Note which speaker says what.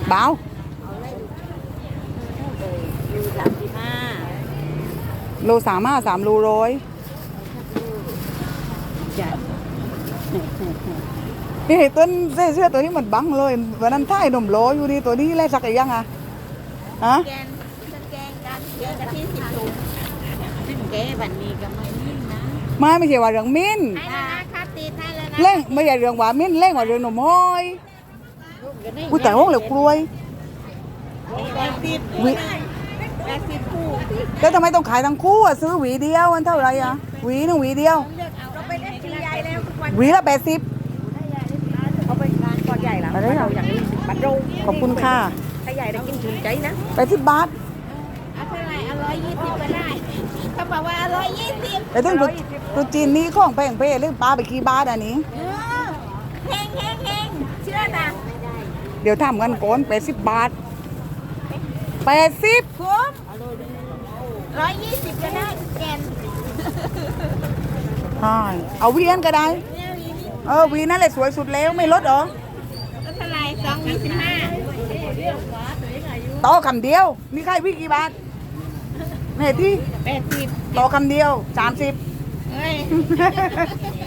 Speaker 1: เบาโล3 โลร้อยนี่ต้นเสื้อตัวนี้มันบังเลยวันนั้นท่ายหนุ่มโลอยู่ดีตัวนี้แลกสักยังอ่ะฮะ
Speaker 2: แกงกันเยอะกะทิ10 ถุงซึ่งแกวันนี้ก็ไม่นิ่งนะ
Speaker 1: ไม่ใช่ว่าเรื่องมิ้น
Speaker 2: ให้แล้วนะครับตีให้แล้วนะ
Speaker 1: เล่งไม่ใช่เรื่องว่ามิ้นเล่งว่าเรื่องหนุ่มห้อยอุ้ยแต่ห้องเหลือกลวยวิ
Speaker 2: 80 คู่
Speaker 1: แล้วทำไมต้องขายทั้งคู่อ่ะซื้อหวีเดียวมันเท่าไหร่อ่ะหวีหนึ่งหวีเดียว
Speaker 2: เลือกเอาเราไปเล่นทีใหญ่แล้วทุกวัน
Speaker 1: หวีละ80
Speaker 2: เอาไปงานก่อนใหญ่แล้ว
Speaker 1: อะไรอ่ะ
Speaker 2: อย่างนี้บัตรโรง
Speaker 1: ขอบคุณค่ะ
Speaker 2: ถ้าใหญ่ได้กินชื่นใจนะ
Speaker 1: 80 บาท
Speaker 2: เอาเท่าไหร่120ก็ได้เขาบอกว่า120
Speaker 1: แต่ถึงตัวจีนนี้ของแพงเป้เรื่องปลาไปกี่บาทอันนี้
Speaker 2: เฮงเชื่อนะ
Speaker 1: เดี๋ยวทำกันก่อน80 บาท80
Speaker 2: คุ้ม120ก็ได้แกน
Speaker 1: ใช่เอาหวีอันก็ได้หวีนั่นแหละสวยสุดแล้วไม่ลดเหรอ
Speaker 2: ก็เท่าไหร่225
Speaker 1: ต่อคำเดียวมีใครหวีกี่บาทแม่ที่
Speaker 2: 80
Speaker 1: ต่อคำเดียว30
Speaker 2: เฮ้ย